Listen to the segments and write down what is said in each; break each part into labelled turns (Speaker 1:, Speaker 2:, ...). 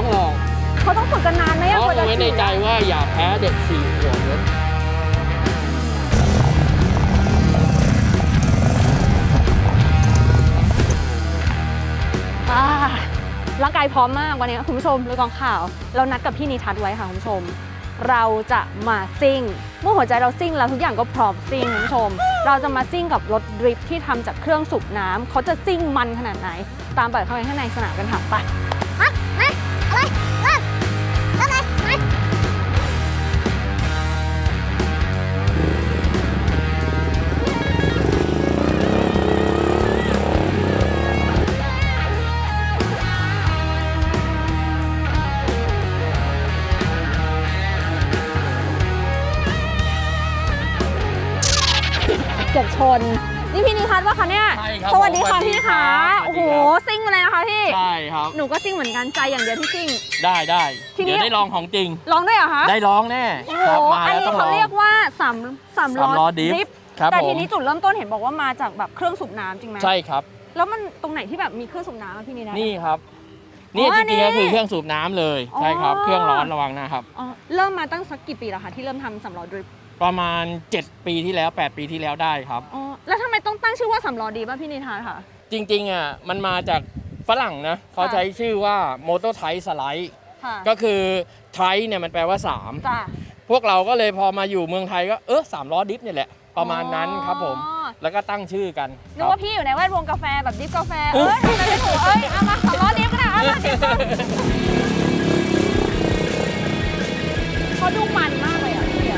Speaker 1: องออก
Speaker 2: เขาต้องฝึกกันนานไหม
Speaker 1: เพราะไว้ในใจว่าอย่าแพ้เด็ก4 ขวบเลย
Speaker 2: ร่างกายพร้อมมากวันนี้คุณผู้ชมเลยกองข่าวเรานัดกับพี่นิทัศน์ไว้ค่ะคุณผู้ชมเราจะมาซิ่งเมื่อหัวใจเราซิ่งแล้วทุกอย่างก็พร้อมซิ่งคุณผู้ชมเราจะมาซิ่งกับรถดริฟท์ที่ทำจากเครื่องสูบน้ำเขาจะซิ่งมันขนาดไหนตามไปเข้าไปข้างในสนามกันค่ะไปเกือบชนนี่พี่นิทัศน์ว่าคะเนี่ยสวัสดีค่ะพี่คะโอ้โหซิ่งอะไรนะคะพี่
Speaker 1: ใช่ครับ
Speaker 2: หนูก็ซิ่งเหมือนกันใจอย่างเดียวที่ซิ่ง
Speaker 1: ได้เดี๋ยวได้ลองของจริง
Speaker 2: ลองได้เหรอคะ
Speaker 1: ได้ลองแน่
Speaker 2: โอ้โหอันนี้เขาเรียกว่า3 ล้อดริฟท์แต่ทีนี้จุดเริ่มต้นเห็นบอกว่ามาจากแบบเครื่องสูบน้ำจริงไหม
Speaker 1: ใช่ครับ
Speaker 2: แล้วมันตรงไหนที่แบบมีเครื่องสูบน้ำพี่นิทัศน์
Speaker 1: นี่ครับนี่จริงๆก็คือเครื่องสูบน้ำเลยใช่ครับเครื่องร้อนระวังนะครับ
Speaker 2: เริ่มมาตั้งสักกี่ปีแล้วคะที่เริ่มทำ3 ล้อดริฟท์
Speaker 1: ประมาณ7 ปีที่แล้ว8 ปีที่แล้วได้ครับ
Speaker 2: แล้วทำไมต้องตั้งชื่อว่า3 ล้อดีป่ะพี่นิทัศน์ค่ะ
Speaker 1: จริงๆอ่ะมันมาจากฝรั่งนะเขาใช้ชื่อว่า Motor Type Slide ก็คือ Type เนี่ยมันแปลว่า3พวกเราก็เลยพอมาอยู่เมืองไทยก็3 ล้อดิฟเนี่ยแหละประมาณนั้นครับผมแล้วก็ตั้งชื่อกัน
Speaker 2: นึกว่าพี่อยู่ในแวดวงกาแฟแบบดิฟกาแฟจะได้ถูกเอามา3 ล้อดิฟกันนะเอามาดิฟเขาดูมันมากเลยอ่ะพี่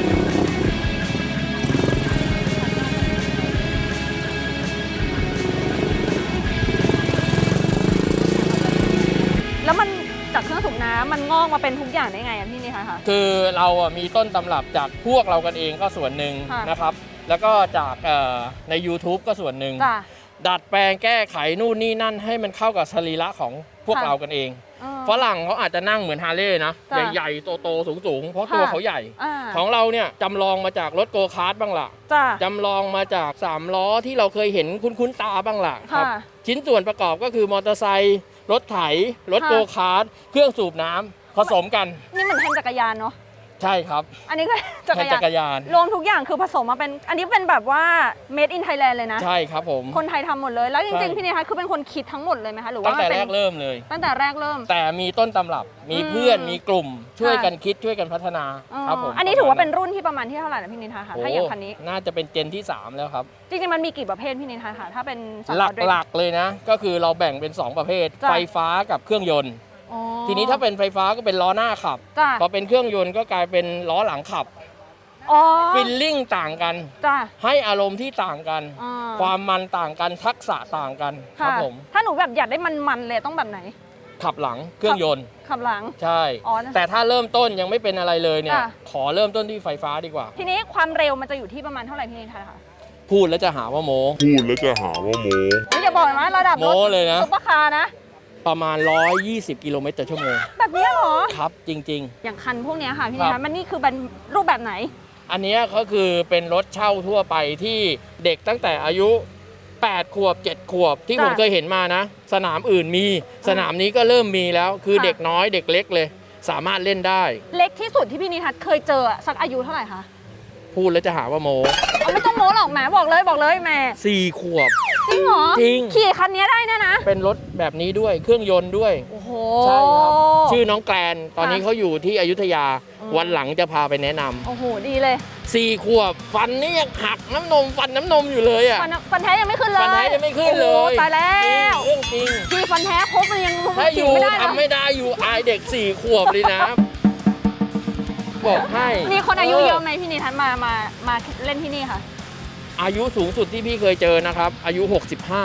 Speaker 2: แล้วมันจากเครื่องสูบน้ำมันงอกมาเป็นทุกอย่างได้ไงพี่นี่คะ
Speaker 1: คือเรามีต้นตำรับจากพวกเรากันเองก็ส่วนหนึ่งนะครับแล้วก็จากใน YouTube ก็ส่วนหนึ่งดัดแปลงแก้ไขนู่นนี่นั่นให้มันเข้ากับสรีระของพวกเรากันเองฝรั่งเขาอาจจะนั่งเหมือนฮาร์เลย์นะใหญ่ๆโตๆสูงๆเพราะตัวเขาใหญ่ของเราเนี่ยจำลองมาจากรถโกคาร์ทบ้างล่ะจำลองมาจาก3 ล้อที่เราเคยเห็นคุ้นๆตาบ้างล่ะครับชิ้นส่วนประกอบก็คือมอเตอร์ไซค์รถไถรถโกคาร์ทเครื่องสูบน้ำผสมกัน
Speaker 2: นี่เหมือนแทนจักรยานเนาะ
Speaker 1: ใช่ครับ
Speaker 2: อันนี้ก็จักรยานรวมทุกอย่างคือผสมมาเป็นอันนี้เป็นแบบว่า made in Thailand เลยนะ
Speaker 1: ใช่ครับผม
Speaker 2: คนไทยทำหมดเลยแล้วจริงๆพี่นิทัศน์คือเป็นคนคิดทั้งหมดเลยไหมคะหรือว่า
Speaker 1: ตั้งแต่แรกเริ่มเลย
Speaker 2: ตั้งแต่แรกเริ่ม
Speaker 1: แต่มีต้นตำรับมีเพื่อนมีกลุ่มช่วยกันคิดช่วยกันพัฒนาครับผม
Speaker 2: อันนี้ถือว่าเป็นรุ่นที่ประมาณที่เท่าไหร่นะพี่นิทัศน์คะถ้าอย่างคันนี้
Speaker 1: น่าจะเป็นเจนที่3แล้วครับ
Speaker 2: จริงๆมันมีกี่ประเภทพี่นิทัศน์คะถ้าเป็น
Speaker 1: หลักๆเลยนะก็คือเราแบ่งเป็น2 ประเภทไฟฟ้ากับเครื่องยนต์ทีนี้ถ้าเป็นไฟฟ้าก็เป็นล้อหน้าขับพอเป็นเครื่องยนต์ก็กลายเป็นล้อหลังขับฟิลลิ่งต่างกันให้อารมณ์ที่ต่างกันความมันต่างกันทักษะต่างกันครับผม
Speaker 2: ถ้าหนูแบบอยากได้มันเลยต้องแบบไหน
Speaker 1: ขับหลังเครื่องยนต์
Speaker 2: ขับหลัง
Speaker 1: ใช่แต่ถ้าเริ่มต้นยังไม่เป็นอะไรเลยเนี่ยขอเริ่มต้นที่ไฟฟ้าดีกว่า
Speaker 2: ทีนี้ความเร็วมันจะอยู่ที่ประมาณเท่าไหร่พี่นิทัศน์คะ
Speaker 1: พูดแล้วจะหาว่าโม้
Speaker 2: อย่าบอกนะระดับ
Speaker 1: โม้เลยนะ
Speaker 2: ซุปเปอร์คาร์นะ
Speaker 1: ประมาณ120 กิโลเมตรต่อชั่วโมง
Speaker 2: แบบนี้เหรอ
Speaker 1: ครับจริง
Speaker 2: ๆอย่างคันพวกนี้ค่ะพี่นิทัศน์มันนี่คือเป็นรูปแบบไหน
Speaker 1: อันนี้ก็คือเป็นรถเช่าทั่วไปที่เด็กตั้งแต่อายุ8 ขวบ7 ขวบที่ผมเคยเห็นมานะสนามอื่นมีสนามนี้ก็เริ่มมีแล้วคือเด็กน้อยเด็กเล็กเลยสามารถเล่นได้
Speaker 2: เล็กที่สุดที่พี่นิทัศน์เคยเจอสักอายุเท่าไหร่คะ
Speaker 1: พูดแล้วจะหาว่าโม้
Speaker 2: ไม่ต้องโม้หรอกแม่บอกเลยแม่
Speaker 1: 4 ขวบ
Speaker 2: จริงเหรอ
Speaker 1: จริง
Speaker 2: ขี่คันนี้ได้นะ
Speaker 1: เป็นรถแบบนี้ด้วยเครื่องยนต์ด้วย
Speaker 2: โอ้โห
Speaker 1: ใช่ครับชื่อน้องแกลนตอนนี้เขาอยู่ที่อยุธยาวันหลังจะพาไปแนะนำ
Speaker 2: โอ้โหดีเลย
Speaker 1: 4 ขวบฟันนี่ยังหักฟันน้ำนมอยู่เลยอ่ะ
Speaker 2: ฟันแท้ยังไม่ขึ้นเลย
Speaker 1: ฟันแท้ยังไม่ขึ้นเลย
Speaker 2: ตายแล้ว
Speaker 1: เรื่องจริง
Speaker 2: คือฟันแท้ครบมันยัง
Speaker 1: ถ้าอยู่ทำไม่ได้อยู่อายเด็ก4 ขวบเลยนะบอกให้
Speaker 2: มีคนอายุเยอะไหมพี่นิทัศน์มาเล่นที่นี่ค่ะ
Speaker 1: อายุสูงสุดที่พี่เคยเจอนะครับอายุ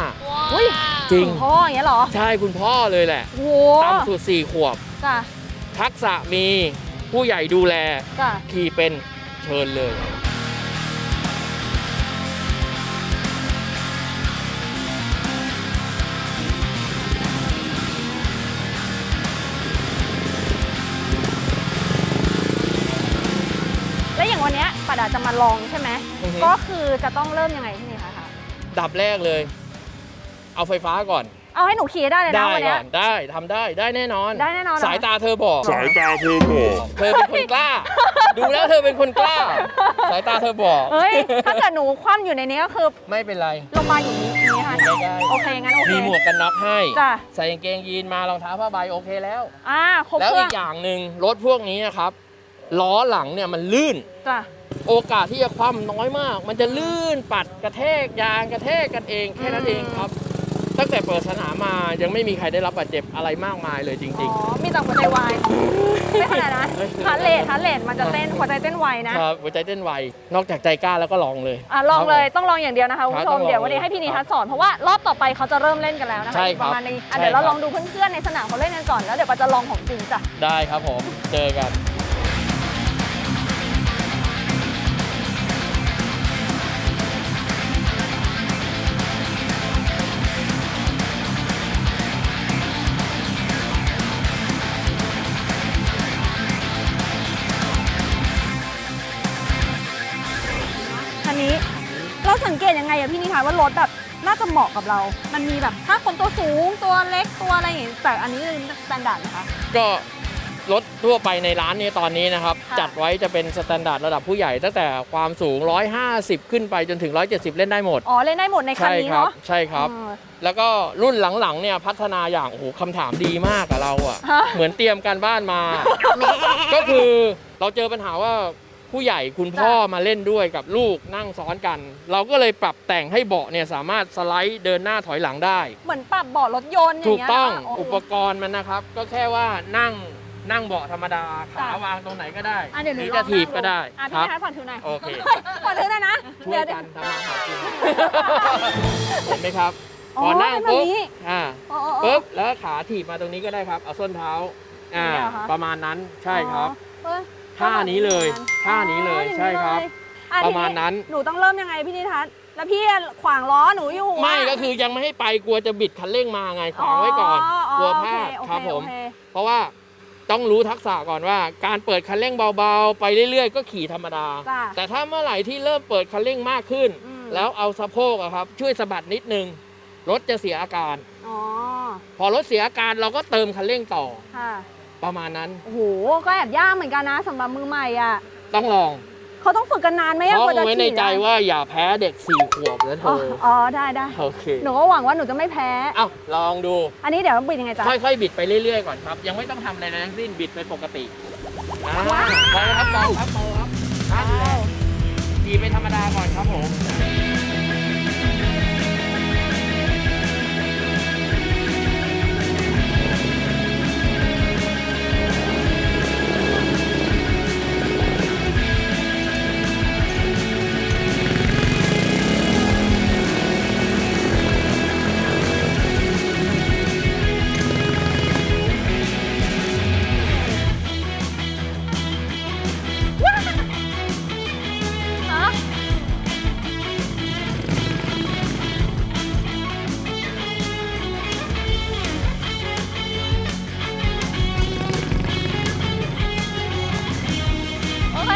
Speaker 1: 65
Speaker 2: อุ้ย
Speaker 1: จริง
Speaker 2: พ่ออย่างเงี้ยเหรอ
Speaker 1: ใช่คุณพ่อเลยแหละต่ำสุด4 ขวบทักษะมีผู้ใหญ่ดูแลขี่เป็นเชิญเลย
Speaker 2: ปัดจะมาลองใช่ไหมก็คือจะต้องเริ่มยังไงที่นี่คะ
Speaker 1: ดับแรกเลยเอาไฟฟ้าก่อน
Speaker 2: เอาให้หนูขี่ได้เลยนะ
Speaker 1: ได้
Speaker 2: วัน
Speaker 1: ก่
Speaker 2: เนี้
Speaker 1: อย นได้ทำได้แน่นอน
Speaker 2: ได้แน่นอนเหรอ
Speaker 1: สายตาเธอบอก
Speaker 3: สายตาเธอบอก
Speaker 1: เธอเป็นคนกล้า ดูแล้วเธอเป็นคนกล้า สายตาเธอบอก
Speaker 2: เฮ้ย ถ้าเกิดหนูคว่ำอยู่ในนี้ก็คือ
Speaker 1: ไม่เป็นไร
Speaker 2: ลงมาอยู่นี้ค่ะ
Speaker 1: อยู่ใกล้ๆ
Speaker 2: โอเคงั้นโอเค
Speaker 1: มีหมวกกันน็อกให้
Speaker 2: จ้ะ
Speaker 1: ใส่กางเกงยีนมารองเท้าผ้าใบโอเคแล้ว
Speaker 2: ครบ
Speaker 1: แล้ว
Speaker 2: เครื่
Speaker 1: อี
Speaker 2: อง
Speaker 1: กอย่างหนึ่งรถพวกนี้นะครับล้อหลังเนี่ยมันลื่น
Speaker 2: จ้ะ
Speaker 1: โอกาสที่จะคว่ำน้อยมาก มันจะลื่นปัดกระแทกยางกระแทกกันเองแค่นั้นเองครับ ตั้งแต่เปิดสนามมายังไม่มีใครได้รับบาดเจ็บอะไรมากมายเลยจริง
Speaker 2: มีแต่หัวใจวาย ไม่ขนาดนั้นฮาร์ทเรทมันจะเต้นหัวใจเต้นไวนะ
Speaker 1: ๆครับหัวใจเต้นไวนอกจากใจกล้าแล้วก็ลองเลย
Speaker 2: ลองเลยต้องลองอย่างเดียวนะคะคุณผู้ช
Speaker 1: ต้
Speaker 2: ม
Speaker 1: องลอง
Speaker 2: เดี๋ยววันนี้ให้พี่นิทัศน์สอนเพราะว่ารอบต่อไปเขาจะเริ่มเล่นกันแล้วนะคะ
Speaker 1: ใช่ครับ
Speaker 2: ประมาณนี้
Speaker 1: ใช่
Speaker 2: เดี๋ยวเรา
Speaker 1: ครับ
Speaker 2: ลองดูเพื่อนๆในสนามเขาเล่นกันก่อนแล้วเดี๋ยวเราจะลองของจริงจ้ะ
Speaker 1: ได้ครับผมเจอกัน
Speaker 2: คันนี้เราสังเกตยังไงอะพี่นิทัศน์ว่ารถแบบน่าจะเหมาะกับเรา มันมีแบบถ้าคนตัวสูงตัวเล็กตัวอะไรอย่างงี้แต่อันนี้คือสแตนดาร์ดนะคะ
Speaker 1: ก็รถทั่วไปในร้านนี้ตอนนี้นะครับ
Speaker 2: ค่ะ
Speaker 1: จัดไว้จะเป็นสแตนดาร์ดระดับผู้ใหญ่ตั้งแต่ความสูง 150 ขึ้นไปจนถึง 170 เล่นได้หมด
Speaker 2: เล่นได้หมดในคัน
Speaker 1: ใช่
Speaker 2: นี้
Speaker 1: ครับ
Speaker 2: เนาะ
Speaker 1: ใช่ครับ แล้วก็รุ่นหลังๆเนี่ยพัฒนาอย่างโอ้โหคำถามดีมากกับเราอะ
Speaker 2: ฮะ
Speaker 1: เหมือนเตรียมการบ้านมา ก็คือเราเจอปัญหาว่าผู้ใหญ่คุณพ่อมาเล่นด้วยกับลูกนั่งซ้อนกัน เราก็เลยปรับแต่งให้เบาะเนี่ยสามารถสไลด์เดินหน้าถอยหลังได้
Speaker 2: เหมือนปรับเบาะรถยนต์อย่า
Speaker 1: ถู
Speaker 2: ง
Speaker 1: ก
Speaker 2: เงี้ย
Speaker 1: ต้อง
Speaker 2: นะโ
Speaker 1: อุปกรณ์มันนะครับ ก็แค่ว่านั่งเบาะธรรมดาขา
Speaker 2: จ้ะ
Speaker 1: วางตรงไหนก็ได้
Speaker 2: เดี๋ยวห
Speaker 1: ห
Speaker 2: นู
Speaker 1: รือ
Speaker 2: ล
Speaker 1: จะ
Speaker 2: อง
Speaker 1: ถีบก็ได้
Speaker 2: อ่ะ
Speaker 1: ค
Speaker 2: พี่
Speaker 1: รับ
Speaker 2: นิทัศน์ผ่อนถือหน่อย
Speaker 1: โอเค
Speaker 2: ผ่อนถือหน่อยนะ
Speaker 1: ช่วยกันทำมาหากินเห็นไหมครับ
Speaker 2: อ๋อ
Speaker 1: พอนั่ง
Speaker 2: เป็นแบบ
Speaker 1: ปุ๊บ
Speaker 2: นี้ อ๋อ
Speaker 1: ปุ๊บแล้วขาถีบมาตรงนี้ก็ได้ครับ เอาส้นเท้า
Speaker 2: อย่างนี้เหรอคะ
Speaker 1: ประมาณนั้นใช่ครับ
Speaker 2: อ๋อ
Speaker 1: ท่านี้เลยท่านี้เลย
Speaker 2: อ๋อ
Speaker 1: ใช่ครับ
Speaker 2: อย่งนี้เลย
Speaker 1: ประมาณนั้น
Speaker 2: หนูต้องเริ่มยังไงพี่นิทัศน์แล้วพี่ขวางล้อหนูอยู่อะ
Speaker 1: ไม่ก็คือยังไม่ให้ไปกลัวจะบิดคันเร่งมาไงขวางไว้ก่อนกลัวพลาด
Speaker 2: โอเ
Speaker 1: ครับผม
Speaker 2: โอเค
Speaker 1: เพราะว่าต้องรู้ทักษะก่อนว่า การเปิดคันเร่งเบาๆ ไปเรื่อยๆ ก็ขี่ธรรมดา
Speaker 2: จ้ะ
Speaker 1: แต่ถ้าเมื่อไหร่ที่เริ่มเปิดคันเร่งมากขึ้น
Speaker 2: อืม
Speaker 1: แล้วเอาสะโพกอะครับช่วยสะบัดนิดนึงรถจะเสียอาการ
Speaker 2: อ๋อ
Speaker 1: พอรถเสียอาการเราก็เติมคันเร่งต่อ
Speaker 2: ค่ะ
Speaker 1: ประมาณนั้น
Speaker 2: โอ้โหก็แอบยากเหมือนกันนะสำหรับมือใหม่อ่ะ
Speaker 1: ต้องลอง
Speaker 2: เขาต้องฝึกกันนานไหมอะ
Speaker 1: เพราะ
Speaker 2: กว่าจะ
Speaker 1: ไว้ใน
Speaker 2: ขี่
Speaker 1: ใจ
Speaker 2: ได้
Speaker 1: ว่าอย่าแพ้เด็ก4 ขวบนะเธ
Speaker 2: อ๋อ
Speaker 1: อ
Speaker 2: อ๋อได้ได้
Speaker 1: โอเค
Speaker 2: หนูก็หวังว่าหนูจะไม่แพ้
Speaker 1: เอ้าลองดู
Speaker 2: อันนี้เดี๋ยวบิดยังไงจ๊ะ
Speaker 1: ค่อยๆ บิดไปเรื่อยๆ ก่อนครับ ยังไม่ต้องทำอะไรทั้งสิ้น บิดไปปกติพอแล้วครับพอครับพอครับนั่นแหละขี่ไปธรรมดาก่อนครับผม
Speaker 2: ฮะโอเค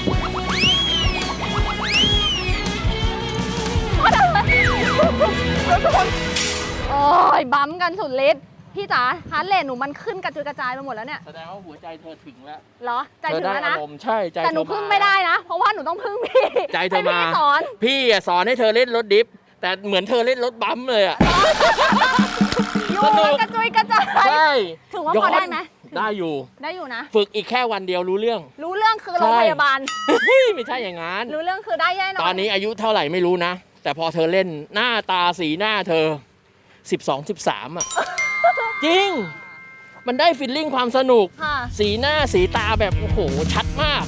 Speaker 2: โอ้ยบั๊มกันสุดฤทธิ์พี่จ๋าฮาร์ทเรทหนูมันขึ้นกระจุยกระจายไปหมดแล้วเนี่ย
Speaker 1: แสดงว่าหัวใจเธอถึงแล้ว
Speaker 2: เหรอ ใจ
Speaker 1: เธอ
Speaker 2: ถึง
Speaker 1: ได้
Speaker 2: แล้ว
Speaker 1: อา
Speaker 2: นะ
Speaker 1: รมณ์ใช่ใจ
Speaker 2: แต่หนู
Speaker 1: เธอ
Speaker 2: พึ่งไม่ได้นะ เพราะว่าหนูต้องพึ่งพี่
Speaker 1: ใจเธอ
Speaker 2: ให้
Speaker 1: มา
Speaker 2: พี่สอน
Speaker 1: พี่อะสอนให้เธอเล่นรถดิฟ แต่เหมือนเธอเล่นรถบัมป์เลยอะ
Speaker 2: อยู่
Speaker 1: สนุก
Speaker 2: กระจุยกระจาย
Speaker 1: ใช่
Speaker 2: ถือว่าพอได้ไหม
Speaker 1: ได้อยู่
Speaker 2: ได้อยู่นะ
Speaker 1: ฝึกอีกแค่วันเดียวรู้เรื่อง
Speaker 2: รู้เรื่องคือโรงพยาบาล
Speaker 1: ไม่ใช่อย่างนั้น
Speaker 2: รู้เรื่องคือได้แน่นอน
Speaker 1: ตอนนี้อายุเท่าไหร่ไม่รู้นะ แต่พอเธอเล่นหน้าตาสีหน้าเธอ 12 13อ่ะ จริง มันได้ฟีลลิ่งความสนุก
Speaker 2: ค่ะ
Speaker 1: สีหน้าสีตาแบบโอ้โหชัดมาก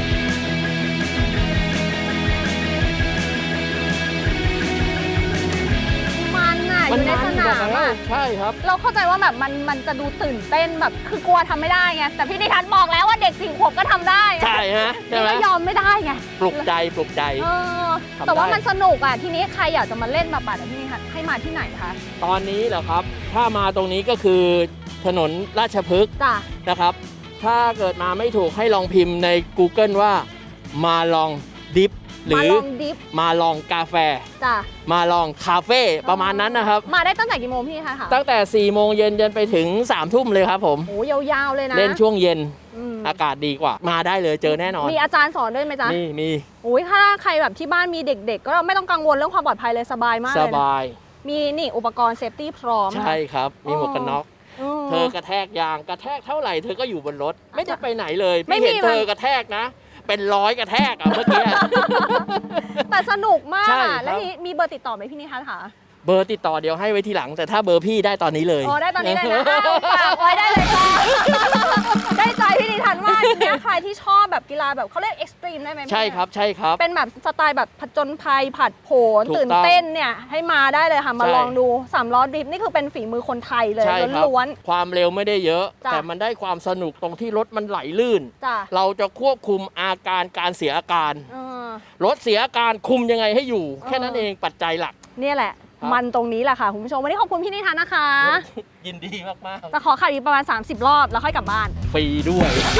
Speaker 2: มันน่ะอยู่ในสนามอ่ะ
Speaker 1: ใช่ครับ
Speaker 2: เราเข้าใจว่าแบบมันจะดูตื่นเต้นแบบคือกลัวทำไม่ได้ไงแต่พี่นิทัศน์บอกแล้วว่าเด็ก4 ขวบก็ทำได้
Speaker 1: ใช่ฮะใช่
Speaker 2: พี่
Speaker 1: ไหม
Speaker 2: ก็ยอมไม่ได้ไง
Speaker 1: ปลุกใจปลุกใจ
Speaker 2: เออ
Speaker 1: ทำได้
Speaker 2: แต่ว่ามันสนุกอ่ะทีนี้ใครอยากจะมาเล่นมาปัดพี่นิทัศน์ให้มาที่ไหนคะ
Speaker 1: ตอนนี้เหรอครับ ถ้ามาตรงนี้ก็คือถนนราชพฤกษ์
Speaker 2: จ้ะ
Speaker 1: นะครับ ถ้าเกิดมาไม่ถูกให้ลองพิมพ์ใน Google ว่ามาลองดิฟหรือ
Speaker 2: มาลองดิฟ
Speaker 1: มาลองกาแฟ
Speaker 2: จ้ะ
Speaker 1: มาลองคาเฟ่ประมาณนั้นนะครับ
Speaker 2: มาได้ตั้งแต่กี่โมงพี่นิทัศน์คะ
Speaker 1: ตั้งแต่4 โมงเย็นจนไปถึง3 ทุ่มเลยครับผม
Speaker 2: โอ้ยาวๆเลยนะ
Speaker 1: เล่นช่วงเย็น
Speaker 2: อืม
Speaker 1: อากาศดีกว่ามาได้เลยเจอแน่นอน
Speaker 2: มีอาจารย์สอนด้วยไหมจ๊ะ
Speaker 1: มี
Speaker 2: โอ้ยถ้าใครแบบที่บ้านมีเด็กๆ ก็ไม่ต้องกังวลเรื่องความปลอดภัยเลยสบายมาก
Speaker 1: ส
Speaker 2: เลยนะ
Speaker 1: บาย
Speaker 2: มีนี่อุปกรณ์เซฟตี้พร้อม
Speaker 1: ใช่ครับ มีหมวกกันน็อก
Speaker 2: อืม
Speaker 1: เธอกระแทกยางกระแทกเท่าไหร่เธอก็อยู่บนรถ ไม่ได้ไปไหนเลย
Speaker 2: ไม่
Speaker 1: พี่
Speaker 2: มี
Speaker 1: เห็นเธอกระแทกนะ เป็น100 กระแทกอะเมื่อกี้
Speaker 2: แต่สนุกมาก
Speaker 1: ใช่ครั
Speaker 2: อะ
Speaker 1: บ
Speaker 2: แล้วมีเบอร์ติดต่อไหมพี่นิทัศน์คะ
Speaker 1: เบอร์ติดต่อเดี๋ยวให้ไว้ทีหลัง แต่ถ้าเบอร์พี่ได้ตอนนี้เลย
Speaker 2: อ๋อได้ตอนนี้เลยนะอ้าวฝากไว้ได้เลยจ้า ได้ใจพี่นิทัศน์มากเนี่ยใครที่ชอบแบบกีฬาแบบเขาเรียกเอ็กซ์ตรีมได้ไหมพี่
Speaker 1: ใช่ครับใช่ครับ
Speaker 2: เป็นแบบสไตล์แบบผจญภัยผัดโผน
Speaker 1: ถูกต้อง
Speaker 2: ตื่นเต้นเนี่ยให้มาได้เลยค่ะมา
Speaker 1: ใช่
Speaker 2: ลองดู3 ล้อดริฟต์นี่คือเป็นฝีมือคนไทยเลย
Speaker 1: ใช่ครับ
Speaker 2: ล้วน
Speaker 1: ความเร็วไม่ได้เยอะ
Speaker 2: จ้ะ
Speaker 1: แต่มันได้ความสนุกตรงที่รถมันไหลลื่น
Speaker 2: ๆจ้ะ
Speaker 1: เราจะควบคุมอาการการเสียอาการ
Speaker 2: เออ
Speaker 1: รถเสียอาการคุมยังไงให้อยู่ แค่นั้นเองปัจจัยหลัก
Speaker 2: เนี่ยแหละ
Speaker 1: ครับ
Speaker 2: มันตรงนี้แหละค่ะคุณผู้ชมวันนี้ขอบคุณพี่นิทัศน์นะคะ
Speaker 1: ยินดีมาก
Speaker 2: แต่ขอขับอีกประมาณ30 รอบแล้วค่อยกลับบ้าน
Speaker 1: ๆฟรีด้วย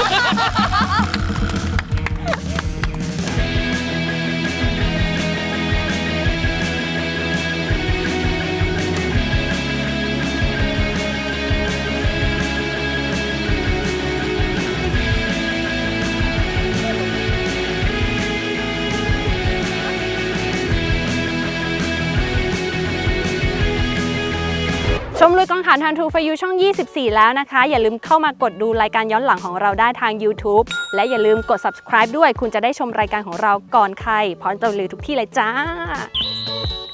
Speaker 2: ชมลุยกองขันทันทูฟยูช่อง 24 แล้วนะคะ อย่าลืมเข้ามากดดูรายการย้อนหลังของเราได้ทาง YouTube และอย่าลืมกด subscribe ด้วย คุณจะได้ชมรายการของเราก่อนใครพร้อมจะลุยทุกที่เลยจ้า